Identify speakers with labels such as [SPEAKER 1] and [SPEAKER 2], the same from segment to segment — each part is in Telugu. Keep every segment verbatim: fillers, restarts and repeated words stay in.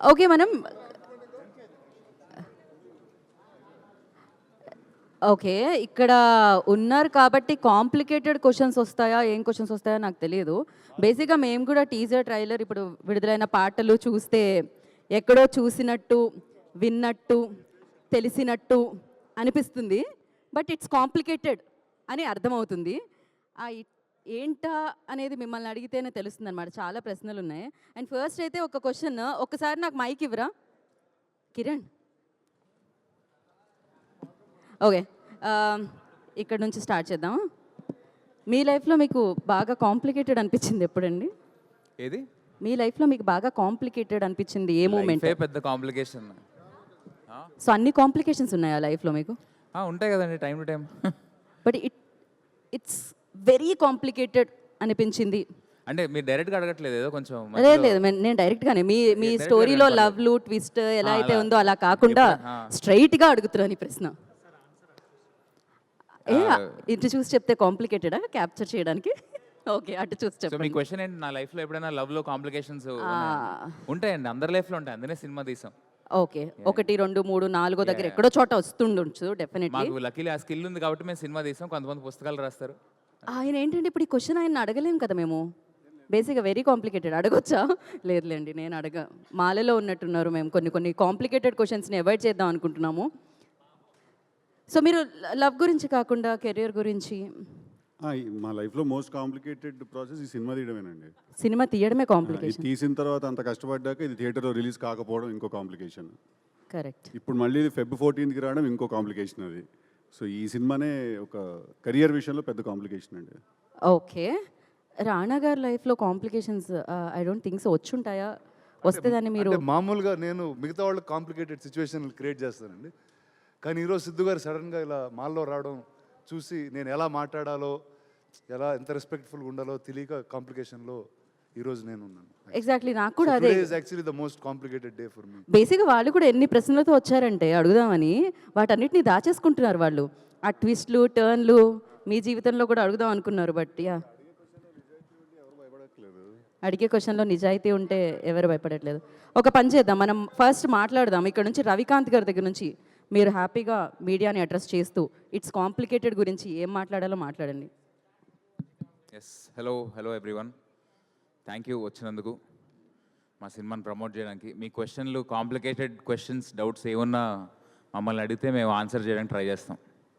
[SPEAKER 1] ఓకే మనం ఓకే ఇక్కడ ఉన్నారు కాబట్టి కాంప్లికేటెడ్ క్వశ్చన్స్ వస్తాయా ఏం క్వశ్చన్స్ వస్తాయో నాకు తెలియదు. బేసిక్గా మేము కూడా టీజర్ ట్రైలర్ ఇప్పుడు విడుదలైన పాటలు చూస్తే ఎక్కడో చూసినట్టు విన్నట్టు తెలిసినట్టు అనిపిస్తుంది. బట్ ఇట్స్ కాంప్లికేటెడ్ అని అర్థమవుతుంది. ఆ ఇ- ఏంటా అనేది మిమ్మల్ని అడిగితేనే తెలుస్తుంది అనమాట. చాలా ప్రశ్నలు ఉన్నాయి. అండ్ ఫస్ట్ అయితే ఒక క్వశ్చన్, ఒక్కసారి నాకు మైక్ ఇవ్వరా కిరణ్? ఓకే, ఇక్కడ నుంచి స్టార్ట్ చేద్దాం. మీ లైఫ్లో మీకు బాగా కాంప్లికేటెడ్ అనిపించింది ఎప్పుడండి?
[SPEAKER 2] ఏది
[SPEAKER 1] మీ లైఫ్లో మీకు బాగా కాంప్లికేటెడ్ అనిపించింది ఏ మూమెంట్?
[SPEAKER 2] లైఫే పెద్ద కాంప్లికేషన్.
[SPEAKER 1] సో అన్ని కాంప్లికేషన్స్ ఉన్నాయా లైఫ్లో మీకు?
[SPEAKER 2] ఉంటాయి కదండి time to time.
[SPEAKER 1] But it it's very complicated అనిపించింది
[SPEAKER 2] అంటే మీరు డైరెక్ట్గా అడగట్లేదు, ఏదో కొంచెం
[SPEAKER 1] లేదు లేదు మే- నేను డైరెక్ట్గానే మీ మీ స్టోరీలో లవ్లు ట్విస్ట్ ఎలా అయితే ఉందో అలా కాకుండా స్ట్రైట్గా అడుగుతున్నాను ఈ ప్రశ్న. ఏ ఇటు చూసి చెప్తే కాంప్లికేటెడా క్యాప్చర్ చేయడానికి? ఓకే, అటు చూసి
[SPEAKER 2] సో మీ
[SPEAKER 1] చెప్పండి.
[SPEAKER 2] క్వశ్చన్ ఏంటి, నా లైఫ్లో ఎప్పుడైనా లవ్లో కాంప్లికేషన్స్ ఉంటాయండి? అందరి లైఫ్లో ఉంటాయి, అందుకే సినిమా తీసాం.
[SPEAKER 1] ఓకే, ఒకటి రెండు మూడు నాలుగో దగ్గర ఎక్కడో చోట వస్తుండొచ్చు డెఫినెట్లీ.
[SPEAKER 2] మాకు లక్కీలీ ఆ స్కిల్ ఉంది కాబట్టి మేము సినిమా తీసాం. కొంతమంది పుస్తకాలు రాస్తారు.
[SPEAKER 1] ఆయన ఏంటంటే ఇప్పుడు ఈ క్వశ్చన్ ఆయన అడగలేం కదా మేము. బేసిక్గా వెరీ కాంప్లికేటెడ్ అడగొచ్చా? లేదులేండి, నేను అడగ మాలలో ఉన్నట్టున్నారు. మేము కొన్ని కొన్ని కాంప్లికేటెడ్ క్వశ్చన్స్ని అవాయిడ్ చేద్దాం అనుకుంటున్నాము. సో మీరు లవ్ గురించి కాకుండా కెరియర్ గురించి?
[SPEAKER 3] ఆ, ఈ మా లైఫ్లో మోస్ట్ కాంప్లికేటెడ్ ప్రాసెస్ ఈ సినిమా తీయడమేనండి.
[SPEAKER 1] సినిమా తీయడమే
[SPEAKER 3] ఇది
[SPEAKER 1] కాంప్లికేషన్.
[SPEAKER 3] తీసిన తర్వాత అంత కష్టపడ్డాక ఇది థియేటర్లో రిలీజ్ కాకపోవడం ఇంకో కాంప్లికేషన్.
[SPEAKER 1] కరెక్ట్.
[SPEAKER 3] ఇప్పుడు మళ్ళీ ఇది ఫెబ్ ఫోర్టీన్త్కి రావడం ఇంకో కాంప్లికేషన్ అది. సో ఈ సినిమానే ఒక కెరియర్ విషయంలో పెద్ద కాంప్లికేషన్ అండి.
[SPEAKER 1] ఓకే, రాణా గారి లైఫ్లో complications I don't think so వచ్చుంటాయా? వస్తే దాన్ని మీరు
[SPEAKER 4] అంటే మామూలుగా నేను మిగతా వాళ్ళకి కాంప్లికేటెడ్ సిచ్యువేషన్ క్రియేట్ చేస్తానండి. కానీ ఈరోజు సిద్ధు గారు సడన్గా ఇలా మాల్లో రావడం చూసి నేను ఎలా మాట్లాడాలో, ఎలా ఎంత రెస్పెక్ట్ఫుల్గా ఉండాలో తెలియక కాంప్లికేషన్లో ఈరోజు నేను ఉన్నాను.
[SPEAKER 1] ఎగ్జాక్ట్లీ నాకు కూడా అదే.
[SPEAKER 4] Actually the most complicated day for me.
[SPEAKER 1] బేసిక్గా వాళ్ళు కూడా ఎన్ని ప్రశ్నలతో వచ్చారంటే అడుగుదామని, వాటన్నిటిని దాచేసుకుంటున్నారు వాళ్ళు. ఆ ట్విస్ట్లు టర్న్లు మీ జీవితంలో కూడా అడుగుదాం అనుకున్నారు. బట్ యా, అడిగే క్వశ్చన్లో నిజాయితీ ఉంటే ఎవరు భయపడట్లేదు. ఒక పని చేద్దాం, మనం ఫస్ట్ మాట్లాడదాం ఇక్కడ నుంచి రవికాంత్ గారి దగ్గర నుంచి. మీరు హ్యాపీగా మీడియాని అడ్రస్ చేస్తూ ఇట్స్ కాంప్లికేటెడ్ గురించి ఏం మాట్లాడాలో మాట్లాడండి.
[SPEAKER 2] Yes, hello hello everyone, thank you వచ్చినందుకు మా సినిమాని ప్రమోట్ చేయడానికి. మీ క్వశ్చన్లు కాంప్లికేటెడ్ క్వశ్చన్స్ డౌట్స్ ఏమన్నా మమ్మల్ని అడిగితే మేము ఆన్సర్ చేయడానికి ట్రై చేస్తాం.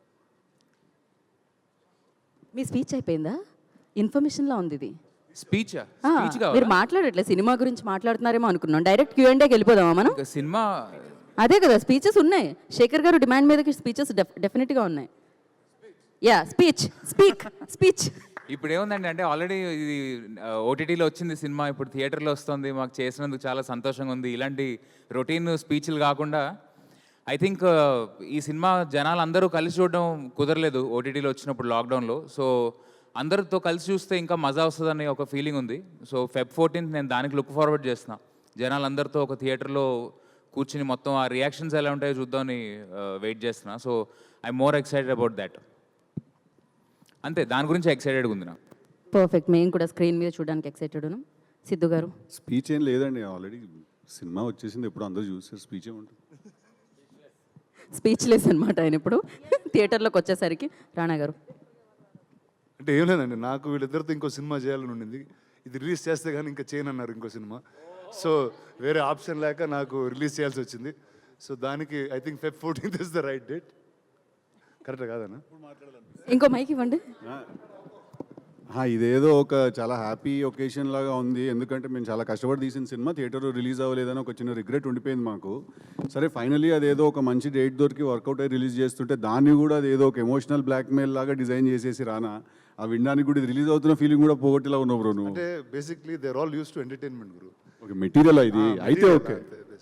[SPEAKER 1] మీ స్పీచ్ అయిపోయిందా? ఇన్ఫర్మేషన్లో ఉంది ఇది.
[SPEAKER 2] స్పీచ్
[SPEAKER 1] ఆ,
[SPEAKER 2] స్పీచ్
[SPEAKER 1] మీరు మాట్లాడట్లేదు, సినిమా గురించి మాట్లాడుతున్నారేమో అనుకున్నాం. డైరెక్ట్ క్యూ అండ్ ఏకి వెళ్ళిపోదామా మనం?
[SPEAKER 2] సినిమా
[SPEAKER 1] అదే కదా, స్పీచెస్ ఉన్నాయి. శేఖర్ గారు డిమాండ్ మీదకి స్పీచెస్ డెఫినెట్గా ఉన్నాయి. Yeah, speech speak speech.
[SPEAKER 2] ఇప్పుడు ఏముందండి అంటే ఆల్రెడీ ఇది ఓటీటీలో వచ్చింది సినిమా, ఇప్పుడు థియేటర్లో వస్తుంది. మాకు చేసినందుకు చాలా సంతోషంగా ఉంది. ఇలాంటి రొటీన్ స్పీచ్లు కాకుండా ఐ థింక్ ఈ సినిమా జనాలు అందరూ కలిసి చూడడం కుదరలేదు ఓటీటీలో వచ్చినప్పుడు లాక్డౌన్లో. సో అందరితో కలిసి చూస్తే ఇంకా మజా వస్తుందని ఒక ఫీలింగ్ ఉంది. సో ఫెబ్ ఫోర్టీన్త్ నేను దానికి లుక్ ఫార్వర్డ్ చేస్తున్నా. జనాలందరితో ఒక థియేటర్లో కూర్చుని మొత్తం ఆ రియాక్షన్స్ ఎలా ఉంటాయో చూద్దామని వెయిట్ చేస్తున్నా. So I'm more excited about that. అంతే, దాని గురించి ఎక్సైటెడ్గా ఉంది నా.
[SPEAKER 1] పర్ఫెక్ట్, మేము కూడా స్క్రీన్ మీద చూడడానికి ఎక్సైటెడ్ ఉన్నాం. సిద్ధు గారు?
[SPEAKER 3] స్పీచ్ ఏం లేదండి, ఆల్రెడీ సినిమా వచ్చేసింది, ఎప్పుడు అందరూ చూసారు. స్పీచ్ ఏముంటుంది?
[SPEAKER 1] స్పీచ్ లెస్ అనమాట ఆయన ఇప్పుడు థియేటర్లోకి వచ్చేసరికి. రాణా గారు?
[SPEAKER 4] అంటే ఏం లేదండి, నాకు వీళ్ళిద్దరితో ఇంకో సినిమా చేయాలని ఉండింది. ఇది రిలీజ్ చేస్తే కానీ ఇంకా చేయనన్నారు ఇంకో సినిమా. సో వేరే ఆప్షన్ లేక నాకు రిలీజ్ చేయాల్సి వచ్చింది. సో దానికి I think Feb fourteenth is the right date. Correct కాదన్నా?
[SPEAKER 1] ఇంకో మైక్ ఇవ్వండి.
[SPEAKER 3] ఆ, ఇదేదో ఒక చాలా హ్యాపీ ఒకేషన్ లాగా ఉంది. ఎందుకంటే మేము చాలా కష్టపడి తీసిన సినిమా థియేటర్లో రిలీజ్ అవ్వలేదని ఒక చిన్న రిగ్రెట్ ఉండిపోయింది మాకు. సరే ఫైనలీ అదేదో ఒక మంచి డేట్ దొరికి వర్కౌట్ అయ్యి రిలీజ్ చేస్తుంటే దాన్ని కూడా అదేదో ఒక ఎమోషనల్ బ్లాక్మెయిల్ లాగా డిజైన్ చేసేసి రానా ఆ వినడానికి కూడా రిలీజ్ అవుతున్న ఫీలింగ్ కూడా పోగొట్టేలా ఉన్నావు బ్రో నువ్వు.
[SPEAKER 4] అంటే basically they are all use to entertainment గురు.
[SPEAKER 3] ఓకే, మెటీరియల్ ఇది అయితే ఓకే.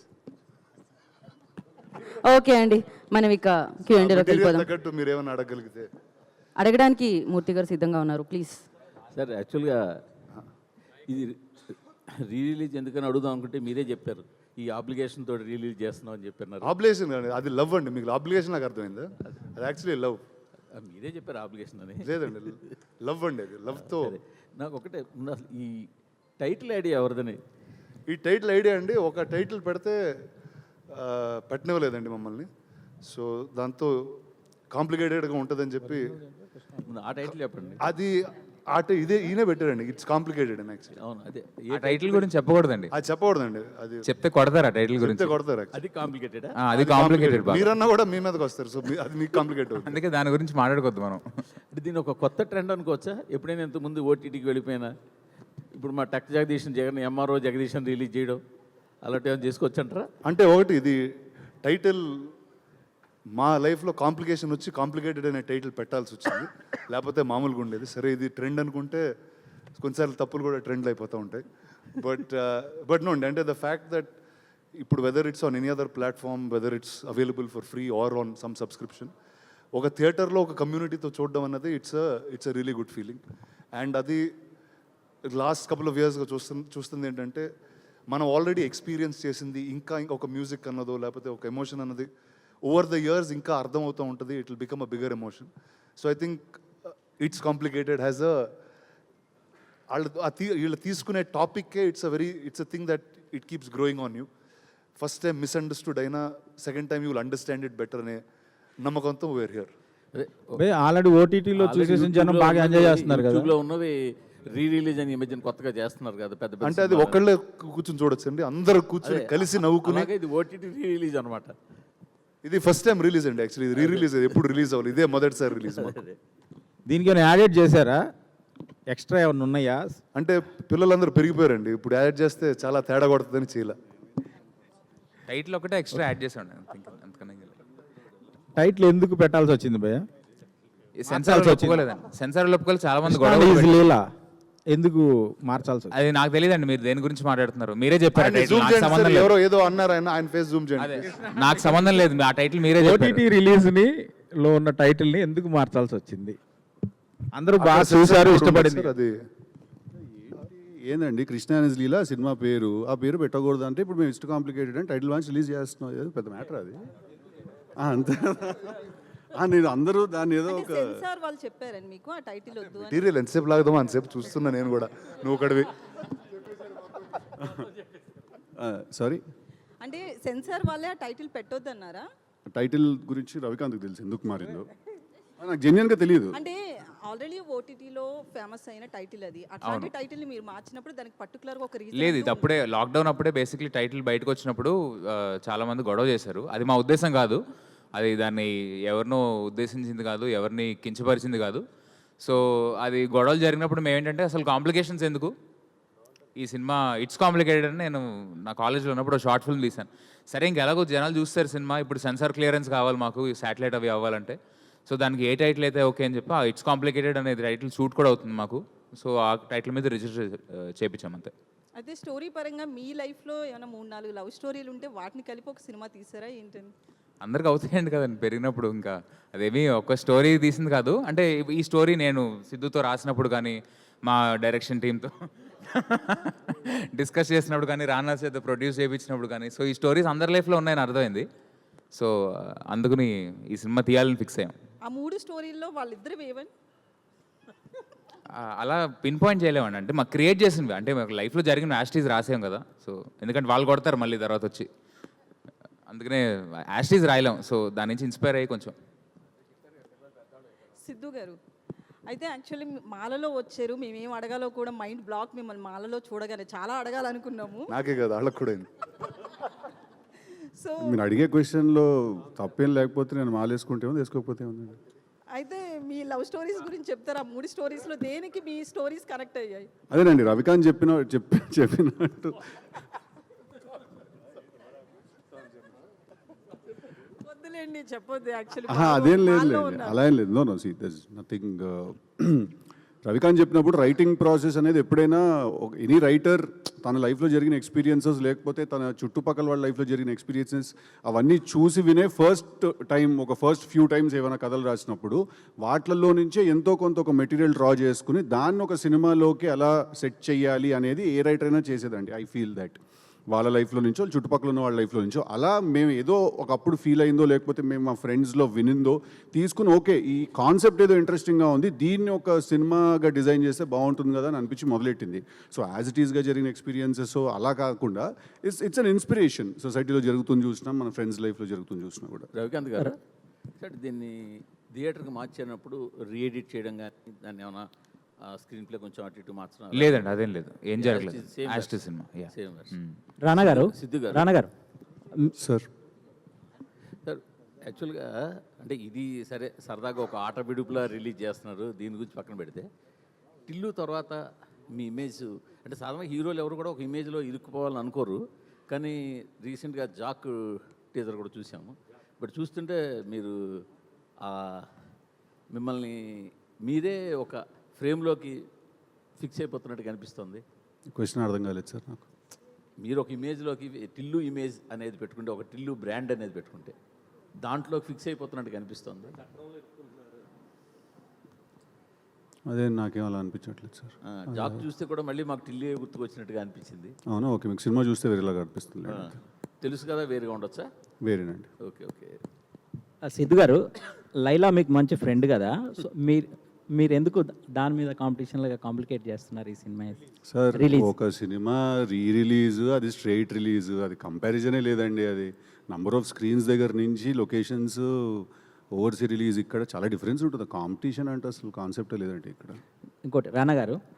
[SPEAKER 1] ఓకే అండి, మనం ఇక క్యూ అండ్ ఏలోకి వెళ్ళిపోదాం.
[SPEAKER 4] తగ్గట్టు మీరు ఏమైనా అడగలిగితే.
[SPEAKER 1] అడగడానికి మూర్తి గారు సిద్ధంగా ఉన్నారు, ప్లీజ్.
[SPEAKER 5] సార్ యాక్చువల్గా ఇది రీ రిలీజ్ ఎందుకని అడుగుదాం అనుకుంటే మీరే చెప్పారు ఈ అప్లికేషన్ తోటి రిలీజ్ చేస్తున్నాం అని చెప్పారు.
[SPEAKER 4] ఆబ్లిగేషన్ కాదు, అది లవ్ అండి. మీకు అప్లికేషన్ నాకు అర్థమైందా? అది యాక్చువల్లీ లవ్.
[SPEAKER 5] మీరే చెప్పారు అప్లికేషన్ అని.
[SPEAKER 4] లేదండి, లవ్ అండి. అది లవ్తో
[SPEAKER 5] నాకు ఒకటే ఉన్న- ఈ టైటిల్ ఐడియా ఎవరిదని?
[SPEAKER 4] ఈ టైటిల్ ఐడియా అండి, ఒక టైటిల్ పెడితే ఆ, పెట్టనివ్వలేదండి మమ్మల్ని. సో దాంతో కాంప్లికేటెడ్గా ఉంటుందని చెప్పి
[SPEAKER 5] ముందు ఆ టైటిల్ చెప్పండి.
[SPEAKER 4] అది ఆట ఇదే ఈయనే పెట్టారండి. ఇట్స్ కాంప్లికేటెడ్ అండి యాక్చువల్లీ.
[SPEAKER 5] అవును, అదే
[SPEAKER 2] ఆ టైటిల్ గురించి చెప్పకూడదండి,
[SPEAKER 4] అది చెప్పకూడదండి, అది
[SPEAKER 2] చెప్తే కొడతారు ఆ టైటిల్ గురించి.
[SPEAKER 4] చెప్తే కొడతారు actually.
[SPEAKER 5] అది కాంప్లికేటెడా?
[SPEAKER 2] ఆ, అది కాంప్లికేటెడ్ బాగా,
[SPEAKER 4] మీరన్నా కూడా మీ మీదకి వస్తారు. సో మీ- అది మీకు కాంప్లికేట్ అవుతుంది.
[SPEAKER 2] అందుకే దాని గురించి మాట్లాడుకోవద్దు మనం.
[SPEAKER 5] అంటే దీని ఒక కొత్త ట్రెండ్ అనుకోవచ్చా? ఎప్పుడైనా ఇంతకుముందు ఓటీటీకి వెళ్ళిపోయినా ఇప్పుడు మా టక్ జగదీశన్ జగన్ ఎంఆర్ఓ జగదీశన్ రిలీజ్ చేయడం అలాంటి ఏమైనా చేసుకోవచ్చు అంటారా?
[SPEAKER 4] అంటే ఒకటి ఇది టైటిల్ మా లైఫ్లో కాంప్లికేషన్ వచ్చి కాంప్లికేటెడ్ అనే టైటిల్ పెట్టాల్సి వచ్చింది, లేకపోతే మామూలుగా ఉండేది. సరే ఇది ట్రెండ్ అనుకుంటే కొన్నిసార్లు తప్పులు కూడా ట్రెండ్లు అయిపోతూ ఉంటాయి. బట్ బట్ నో అంటే ద ఫ్యాక్ట్ దట్ ఇప్పుడు whether it's on any other platform, whether it's available for free or on some subscription, ఒక థియేటర్లో ఒక కమ్యూనిటీతో చూడడం అన్నది it's it's a really good feeling. And అది లాస్ట్ కపుల్ ఆఫ్ ఇయర్స్గా చూస్తుంది చూస్తుంది ఏంటంటే మనం ఆల్రెడీ ఎక్స్పీరియన్స్ చేసింది ఇంకా ఇంకా ఒక మ్యూజిక్ అన్నదో లేకపోతే ఒక ఎమోషన్ అన్నది ఓవర్ ద ఇయర్స్ ఇంకా అర్థమవుతూ ఉంటుంది. It will become a bigger emotion. So I think it's complicated has a వాళ్ళు ఆ తీ వీళ్ళు తీసుకునే టాపిక్కే it's a very it's a thing that it keeps growing on you. First time misunderstood అయినా second time you will understand it better అనే నమ్మకంతో వేర్ హియర్.
[SPEAKER 5] అదే
[SPEAKER 6] ఆల్రెడీ ఓటీటీలో చూసేసిన జనం బాగా ఎంజాయ్ చేస్తున్నారు కదా.
[SPEAKER 5] యూట్యూబ్లో ఉన్నవి రీ రిలీజ్ అని ఈ మధ్యన కొత్తగా చేస్తున్నారు కదా పెద్ద పెద్ద
[SPEAKER 4] అంటే అది ఒకళ్ళే కూర్చొని చూడొచ్చు అండి, అందరూ కూర్చొని కలిసి నవ్వుకుని.
[SPEAKER 5] అలాగే ఇది ఓటీటీ రీ రిలీజ్ అనమాట.
[SPEAKER 4] ఇది ఫస్ట్ టైం రిలీజ్ అండి యాక్చువల్లీ. ఇది రీ రిలీజ్ ఎప్పుడు రిలీజ్ అవ్వాలి, ఇదే మొదటిసారి రిలీజ్.
[SPEAKER 6] దీనికి ఏమైనా యాడెడ్ చేశారా? ఎక్స్ట్రా ఏమైనా ఉన్నాయా?
[SPEAKER 4] అంటే పిల్లలందరూ పెరిగిపోయారండి, ఇప్పుడు యాడ్ చేస్తే చాలా తేడా కొడుతుందని చేయాల.
[SPEAKER 2] టైటిల్ ఒకటే ఎక్స్ట్రా యాడ్ చేసాం అంతకన్నా.
[SPEAKER 6] టైటిల్ ఎందుకు పెట్టాల్సి వచ్చింది భయ్య?
[SPEAKER 2] సెన్సార్ ఒప్పుకోలేదండి, సెన్సార్ ఒప్పుకోలేదు. చాలా మంది గొడవ
[SPEAKER 6] ఈజ్
[SPEAKER 2] పెట్టారు.
[SPEAKER 6] లీలా ఎందుకు మార్చాల్సి వచ్చింది?
[SPEAKER 2] అది నాకు తెలియదండి, మీరు దేని గురించి మాట్లాడుతున్నారు, మీరే చెప్పారు.
[SPEAKER 4] ఆయన
[SPEAKER 2] టైటిల్
[SPEAKER 4] జూమ్
[SPEAKER 2] నాకు
[SPEAKER 4] చేయండి
[SPEAKER 2] సంబంధం
[SPEAKER 4] సార్,
[SPEAKER 2] లేదు.
[SPEAKER 4] ఎవరో ఏదో అన్నారు, ఆయన ఆయన ఫేస్ జూమ్
[SPEAKER 2] అదే
[SPEAKER 4] చేయండి.
[SPEAKER 2] నాకు సంబంధం లేదు, ఆ టైటిల్ మీరే చెప్పారు.
[SPEAKER 6] ఓటీటీ రిలీజ్ ని లో ఉన్న టైటిల్ ని ఎందుకు మార్చాల్సి వచ్చింది? అందరూ బాగా చూశారు, ఇష్టపడింది.
[SPEAKER 4] అది
[SPEAKER 3] ఏందండి కృష్ణ అనేజ్ లీలా సినిమా పేరు, ఆ పేరు పెట్టకూడదు అంటే ఇప్పుడు మేము ఇష్ట కాంప్లికేటెడ్ అని టైటిల్ వాన్స్ రిలీజ్ చేస్తున్నాం, ఏదో పెద్ద మ్యాటర్ అది. ఆ, అంతే. ఆ, నేను అందరూ దాన్ని ఏదో ఒక
[SPEAKER 1] సెన్సార్ వాళ్ళు చెప్పారని మీకు ఆ టైటిల్ వద్దు అని.
[SPEAKER 4] మెటీరియల్ ఎంతసేపు లాగుదామో అంతసేపు చూస్తున్నా నేను కూడా, నువ్వు ఒకటివి.
[SPEAKER 3] సారీ,
[SPEAKER 1] అంటే సెన్సార్ వాళ్ళే ఆ టైటిల్ పెట్టొద్దు అన్నారా?
[SPEAKER 3] టైటిల్ గురించి రవికాంత్కి తెలుసు ఎందుకు మారిందో, ఆ, నాకు జెన్యున్గా తెలియదు.
[SPEAKER 1] అంటే ఆల్రెడీ ఓటీటీలో ఫేమస్ అయిన టైటిల్ అది, అట్లాంటి టైటిల్ ని మీరు మార్చినప్పుడు దానికి పర్టికులర్ గా ఒక రీజన్
[SPEAKER 2] లేదు, ఇది అప్పుడే లాక్డౌన్ అప్పుడే బేసిక్లీ టైటిల్ బయటకు వచ్చినప్పుడు ఆ, చాలా మంది గొడవ చేశారు. అది మా ఉద్దేశం కాదు, అది దాన్ని ఎవరినో ఉద్దేశించింది కాదు, ఎవరిని కించపరిచింది కాదు. సో అది గొడవలు జరిగినప్పుడు మేము ఏంటంటే అసలు కాంప్లికేషన్స్ ఎందుకు, ఈ సినిమా ఇట్స్ కాంప్లికేటెడ్ అని నేను నా కాలేజ్లో ఉన్నప్పుడు షార్ట్ ఫిల్మ్ తీశాను. సరే ఇంక ఎలాగో జనాలు చూస్తారు సినిమా, ఇప్పుడు సెన్సార్ క్లియరెన్స్ కావాలి మాకు, శాటిలైట్ అవి అవ్వాలంటే. సో దానికి ఏ టైటిల్ అయితే ఓకే అని చెప్పి ఆ ఇట్స్ కాంప్లికేటెడ్ అనేది టైటిల్ షూట్ కూడా అవుతుంది మాకు. సో ఆ టైటిల్ మీద రిజిస్టర్ చేయించాం అంతే.
[SPEAKER 1] అయితే స్టోరీ పరంగా మీ లైఫ్ లో ఏమైనా మూడు నాలుగు లవ్ స్టోరీలు ఉంటే వాటిని కలిపి ఒక సినిమా తీసారా ఏంటని?
[SPEAKER 2] అందరికి అవుతాయండి కదండి పెరిగినప్పుడు, ఇంకా అదేమి ఒక స్టోరీ తీసింది కాదు. అంటే ఈ స్టోరీ నేను సిద్ధుతో రాసినప్పుడు కానీ, మా డైరెక్షన్ టీంతో డిస్కస్ చేసినప్పుడు కానీ, రానా చేత ప్రొడ్యూస్ చేయించినప్పుడు కానీ, సో ఈ స్టోరీస్ అందరి లైఫ్లో ఉన్నాయని అర్థమైంది. సో అందుకని ఈ సినిమా తీయాలని ఫిక్స్ అయ్యాం.
[SPEAKER 1] ఆ మూడు స్టోరీల్లో వాళ్ళిద్దరు వేవని
[SPEAKER 2] ఆ, అలా పిన్ పాయింట్ చేయలేమండి, అంటే మాకు క్రియేట్ చేసినవి, అంటే మాకు లైఫ్లో జరిగిన యాస్టీస్ రాసాం కదా. సో ఎందుకంటే వాళ్ళు కొడతారు మళ్ళీ తర్వాత వచ్చి, అందుకనే యాస్టీస్ రాయలేం. సో దాని నుంచి ఇన్స్పైర్ అయ్యి కొంచెం.
[SPEAKER 1] సిద్ధు గారు అయితే యాక్చువల్లీ మాలలో వచ్చారు, మేమేం అడగాలో కూడా మైండ్ బ్లాక్, మిమ్మల్ని మాలలో చూడగానే చాలా అడగాలనుకున్నాము.
[SPEAKER 4] నాకే కదా వాళ్ళకి కూడా అయింది.
[SPEAKER 1] సో
[SPEAKER 3] మీరు అడిగే క్వశ్చన్లో తప్పేం లేకపోతే నేను మాలేసుకుంటేమో వేసుకోకపోతే ఉంది.
[SPEAKER 1] అయితే మీ లవ్ స్టోరీస్ గురించి చెప్తారా? ఆ మూడు స్టోరీస్లో దేనికి మీ స్టోరీస్ కనెక్ట్ అయ్యాయి?
[SPEAKER 3] అదేనండి రవికాంత్ చెప్పిన చెప్పి చెప్పినట్టు
[SPEAKER 1] వద్దులేండి చెప్పొద్దు యాక్చువల్లీ.
[SPEAKER 3] ఆహా, అదేం లేదు లేదు అలా ఏం లేదు. No no see this nothing. Ravikanth చెప్పినప్పుడు రైటింగ్ ప్రాసెస్ అనేది ఎప్పుడైనా ఎనీ రైటర్ తన లైఫ్లో జరిగిన ఎక్స్పీరియన్సెస్ లేకపోతే తన చుట్టుపక్కల వాళ్ళ లైఫ్లో జరిగిన ఎక్స్పీరియన్సెస్ అవన్నీ చూసి వినే ఫస్ట్ టైం ఒక ఫస్ట్ ఫ్యూ టైమ్స్ ఏమైనా కథలు రాసినప్పుడు వాటిల్లో నుంచే ఎంతో కొంత ఒక మెటీరియల్ డ్రా చేసుకుని దాన్ని ఒక సినిమాలోకి ఎలా సెట్ చేయాలి అనేది ఏ రైటర్ అయినా చేసేదండి. ఐ ఫీల్ దట్ వాళ్ళ లైఫ్లో నుంచో వాళ్ళ చుట్టుపక్కల ఉన్న వాళ్ళ లైఫ్లో నుంచో అలా మేము ఏదో ఒకప్పుడు ఫీల్ అయిందో లేకపోతే మేము మా ఫ్రెండ్స్లో వినిందో తీసుకుని ఓకే ఈ కాన్సెప్ట్ ఏదో ఇంట్రెస్టింగ్గా ఉంది దీన్ని ఒక సినిమాగా డిజైన్ చేస్తే బాగుంటుంది కదా అని అనిపించి మొదలెట్టింది. సో యాజ్ ఇట్ ఈస్గా జరిగిన ఎక్స్పీరియన్సెస్ అలా కాకుండా ఇట్స్ ఇట్స్ అన్ ఇన్స్పిరేషన్. సొసైటీలో జరుగుతుంది చూసినా మన ఫ్రెండ్స్ లైఫ్లో జరుగుతుంది చూసినా కూడా.
[SPEAKER 5] రవికాంత్ గారు సార్ దీన్ని థియేటర్కి మార్చినప్పుడు రీఎడిట్ చేయడం కానీ దాన్ని ఏమైనా స్క్రీన్ ప్లే కొంచెం అటు ఇటు మార్చడం
[SPEAKER 2] లేదండి, అదేం లేదు, ఏం జరగలేదు.
[SPEAKER 5] Same
[SPEAKER 2] యాస్ట్ సినిమా.
[SPEAKER 5] సేమ్
[SPEAKER 7] రానా గారు
[SPEAKER 5] సిద్ధు గారు.
[SPEAKER 7] రానా గారు
[SPEAKER 3] సార్
[SPEAKER 5] సార్ యాక్చువల్గా అంటే ఇది సరే సరదాగా ఒక ఆట విడుపులా రిలీజ్ చేస్తున్నారు, దీని గురించి పక్కన పెడితే టిల్లు తర్వాత మీ ఇమేజ్ అంటే సాధారణంగా హీరోలు ఎవరు కూడా ఒక ఇమేజ్లో ఇరుక్కుపోవాలని అనుకోరు, కానీ రీసెంట్గా జాక్ టీజర్ కూడా చూసాము. బట్ చూస్తుంటే మీరు మిమ్మల్ని మీరే ఒక ఫ్రేమ్లోకి ఫిక్స్ అయిపోతున్నట్టు కనిపిస్తుంది.
[SPEAKER 3] క్వశ్చన్ అర్థం కాలేదు సార్ నాకు.
[SPEAKER 5] మీరు ఒక ఇమేజ్లోకి టిల్లు ఇమేజ్ అనేది పెట్టుకుంటే, ఒక టిల్లు బ్రాండ్ అనేది పెట్టుకుంటే దాంట్లో ఫిక్స్ అయిపోతున్నట్టు కనిపిస్తుంది.
[SPEAKER 3] అదే నాకేం అలా అనిపించట్లేదు సార్.
[SPEAKER 5] ఆ, జాబ్ చూస్తే కూడా మళ్ళీ మాకు టిల్లే గుర్తుకొచ్చినట్టుగా అనిపించింది.
[SPEAKER 3] అవునా, ఓకే, మీకు సినిమా చూస్తే వేరేలాగా అనిపిస్తుంది.
[SPEAKER 5] ఆ, తెలుసు కదా, వేరుగా ఉండొచ్చా?
[SPEAKER 3] వేరేనండి.
[SPEAKER 5] ఓకే ఓకే
[SPEAKER 7] ఆ, సిద్ధు గారు లైలా మీకు మంచి ఫ్రెండ్ కదా, సో మీరు మీరు ఎందుకు దాని మీద కాంపిటీషన్ లాగా కాంప్లికేట్ చేస్తున్నారు ఈ సినిమా?
[SPEAKER 3] సార్
[SPEAKER 7] రిలీజ్
[SPEAKER 3] ఒక సినిమా రీ రిలీజ్ అది స్ట్రైట్ రిలీజ్, అది కంపారిజనే లేదండి. అది నంబర్ ఆఫ్ స్క్రీన్స్ దగ్గర నుంచి లొకేషన్స్ ఓవర్సీ రిలీజ్ ఇక్కడ చాలా డిఫరెన్స్ ఉంటుంది. కాంపిటీషన్ అంటే అసలు కాన్సెప్టే లేదండి ఇక్కడ.
[SPEAKER 7] ఇంకోటి రానా గారు